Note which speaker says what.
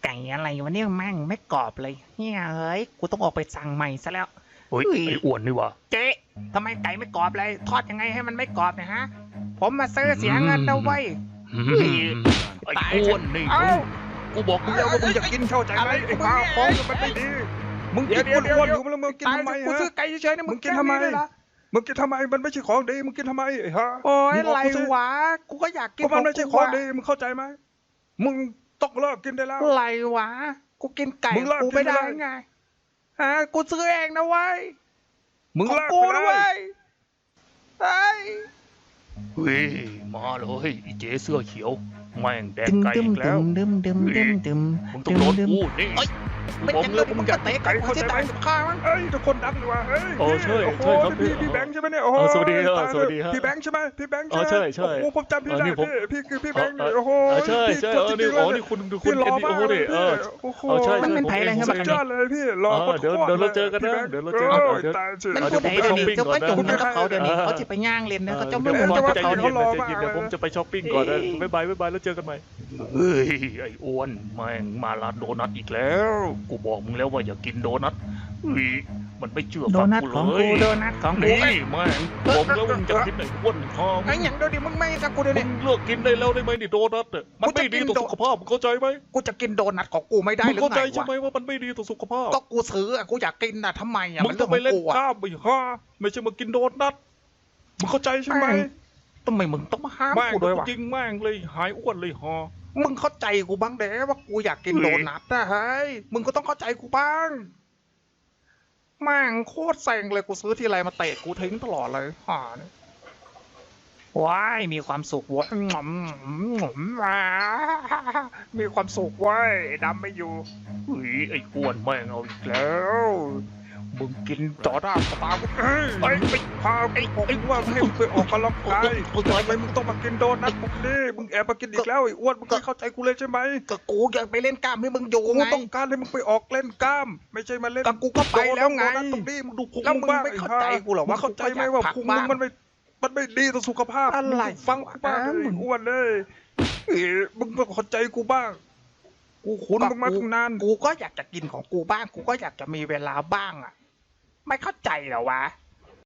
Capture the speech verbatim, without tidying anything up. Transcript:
Speaker 1: ไก่อะไรวะเนี่ยแม่งไม่กรอบเลยเนี่ยเฮ้ยกูต้องออกไปสั่งใหม่ซะแล้ว
Speaker 2: เฮ้ยไอ้อ้วนนี่วะ
Speaker 1: เจ๊ทำไมไก่ไม่กรอบเลยทอดยังไงให้มันไม่กรอบเนี่ยฮะผมมาซื้อเสียเงินนะเว้ย
Speaker 2: ไอ้อ้วนนี่มึงกูบอกมึงแล้วว่ามึงจะกินเข้าใจไหมไอ้ข้าวของมันไม่ดีมึงกินอ้วนๆอยู่แล้วมึงกินทำไมฮะ
Speaker 1: กูซื้อไก่เฉยๆนะ
Speaker 2: มึงกินทำไมมึงกินทำไมมันไม่ใช่ของดีมึงกินทำไมไอ้ฮะ
Speaker 1: โอ้ยอะไรวะกูก็อยากกิน
Speaker 2: มันไม่ใช่ของดีมึงเข้าใจไหมมึงต้องเลิกกินได้แล้ว
Speaker 1: อะไรวะกูกินไก่กูไม่ได้ไงฮะกูซื้อเองนะเว้ย
Speaker 2: มึงเลิก
Speaker 1: กู
Speaker 2: ไปเล
Speaker 1: นะเว้
Speaker 2: ย
Speaker 1: ยเฮ้ย
Speaker 2: เฮ้ยมาเลยไอ้เจ๊เสื้อเขียวแม่งแดงไก่อีกแล้ว
Speaker 1: ดึมดึมดึมดึม
Speaker 2: มึงต้องโดนกูนี่
Speaker 1: ไม่จังเลยมึงจะเตะไก่กูจะตายกับข้ามั้ง
Speaker 2: เอ้ยทุกคนดังดีว่ะเฮ้ย
Speaker 3: โอ้ใช่ใช่ครับพี่
Speaker 2: พี่แบงค์ใช่ไหมเนี่ยโอ้โห
Speaker 3: สวัสดีครับสวัสดีครับ
Speaker 2: พี่แบงค์ใช่ไหมพี่แบงค์
Speaker 3: อ๋อใช่ใช่
Speaker 2: โอ้ผมจำพี่ได้พี่พี่คือพี่แบงค์โอ้โห
Speaker 3: ใช่ใช่เออนี่อ๋อนี่คุณคุณ
Speaker 2: พี่หล่อ
Speaker 3: เอ็นดี
Speaker 2: มาก
Speaker 3: โอ้นี่เออ
Speaker 2: โอ้โห
Speaker 3: เอาใช่
Speaker 1: มันเป็นไผ่อะไรครับ
Speaker 2: สุดยอดเลยพี่หล่อ
Speaker 3: เดี๋ยวเดี๋ยวเราเจอกันนะเดี๋ยวเราเจอกันเดี๋ยว
Speaker 2: ตายสิ
Speaker 1: มันพูดไหนเดี๋ยวนี้จะไปจุ่มกันกับเขาเดี๋ยวนี้เขาจะไปย่างเล่นนะเขาจะไม่
Speaker 3: เดี๋ยว
Speaker 1: รู้
Speaker 3: ผม
Speaker 1: ว่า
Speaker 3: ใจ
Speaker 1: เขา
Speaker 3: เย็น
Speaker 1: เขา
Speaker 3: ๆใจเย็นๆเดี๋ยวผมจะไปช้อปปิ้งก่อนนะบ๊ายบายบ๊ายบายแล้วเจอกันใหม่
Speaker 2: เฮ้ยไอ้อ้วนแม่งมาร้านโดนัทอีกแล้วกูบอกมึงแล้วว่าอย่ากินโดนัทเฮ้ยมันไม่เชื่อ
Speaker 1: โด
Speaker 2: ฟัง
Speaker 1: นัท
Speaker 2: กู
Speaker 1: ของ
Speaker 2: เล
Speaker 1: กู
Speaker 2: ย
Speaker 1: โดนัทของกู
Speaker 2: นี่แม่งบอกแล้วมึงจะกินไอ้อ้วนทอง
Speaker 1: ไอ้อย่างเดี๋ยวนี้มึงไม่กับกูเดี๋ยว
Speaker 2: มึ
Speaker 1: นี้
Speaker 2: งเลิกกินได้แล้วได้ไหมนี่โดนัทเนี่ยมันไม่ดีต่อสุขภาพมึงเข้าใจไหม
Speaker 1: กูจะกินโดนัทของกูไม่ได้
Speaker 2: มึง
Speaker 1: หรือ
Speaker 2: เข้าใจ
Speaker 1: ไง
Speaker 2: ใช่ไหม
Speaker 1: วะ
Speaker 2: ว่ามันไม่ดีต่อสุขภาพ
Speaker 1: ก็กูซื้ออะกูอยากกินน่ะทำไมอ่ะ
Speaker 2: มึง
Speaker 1: มัน
Speaker 2: ต้
Speaker 1: เรื่
Speaker 2: อ
Speaker 1: อง ง
Speaker 2: ไป
Speaker 1: ของ
Speaker 2: เล่น
Speaker 1: กูอะ
Speaker 2: กล้ามไปฮ่าไม่ใช่มากินโดนัทมึงเข้าใจใช่ไหม
Speaker 1: ทำไมมึงต้องมาห้าม
Speaker 2: แม่ง
Speaker 1: กูด้วยวะ
Speaker 2: จริงแม่งเลยหายอ้วนเลยฮ่า
Speaker 1: มึงเข้าใจกูบ้างเด้ว่ากูอยากกิน
Speaker 2: เฮ้ย
Speaker 1: โดนัทนะเฮ้ยมึงก็ต้องเข้าใจกูบ้างแม่งโคตรเซ็งเลยกูซื้อทีไรมาเตะกูทิ้งตลอดเลยห่าเนี่ยว้ายมีความสุขเว้ยหงอมหงอมว้ามีความสุขเว้ยดำไม่อยู่
Speaker 2: เฮ้ยไอ้อ้วนแม่งเอาอีกแล้ว
Speaker 1: มึงกินจอด้าสตาร์กู
Speaker 2: เอ้ยไอ้ไอ้พาไอ้ไอ้ว่าให้มึงไปออกกำลังกายทำไมมึงต้องมากินโดนัทพวกนี้มึงแอบมากินอีกแล้วไอ้อ้วนมึงไม่เข้าใจกูเลยใช่ไหม
Speaker 1: ก็กูอยากไปเล่นกล้ามให้มึงอยู่
Speaker 2: กู
Speaker 1: ไง
Speaker 2: ต้องการให้มึงไปออกเล่นกล้าม ไม่ใช่มาเล่น
Speaker 1: ก็กูก็ไปแล้วไง
Speaker 2: โดนัทตรงนี้มึงดูพุง
Speaker 1: แล้วมึง
Speaker 2: บ้าง
Speaker 1: ไม่เข้าใจกูเหรอ
Speaker 2: มึ
Speaker 1: ว่าง
Speaker 2: เข้าใจไหม
Speaker 1: กูก็อยาก
Speaker 2: ว่า
Speaker 1: พัก
Speaker 2: พุง
Speaker 1: บ้าง
Speaker 2: มึงมันไม่มันไม่ดีต่อสุขภาพ
Speaker 1: อะไร
Speaker 2: มึงฟังกูบ้างเลย
Speaker 1: มึง
Speaker 2: อ้วนเลยเอ้ยมึงต้องเข้าใจกูบ้างกูขุนมึงมาตั้งนาน
Speaker 1: กูก็อยากจะกินของกูบ้าง กูก็อยากจะมีเวลาบ้างอ่ะ ไม่เข้าใจเหรอวะ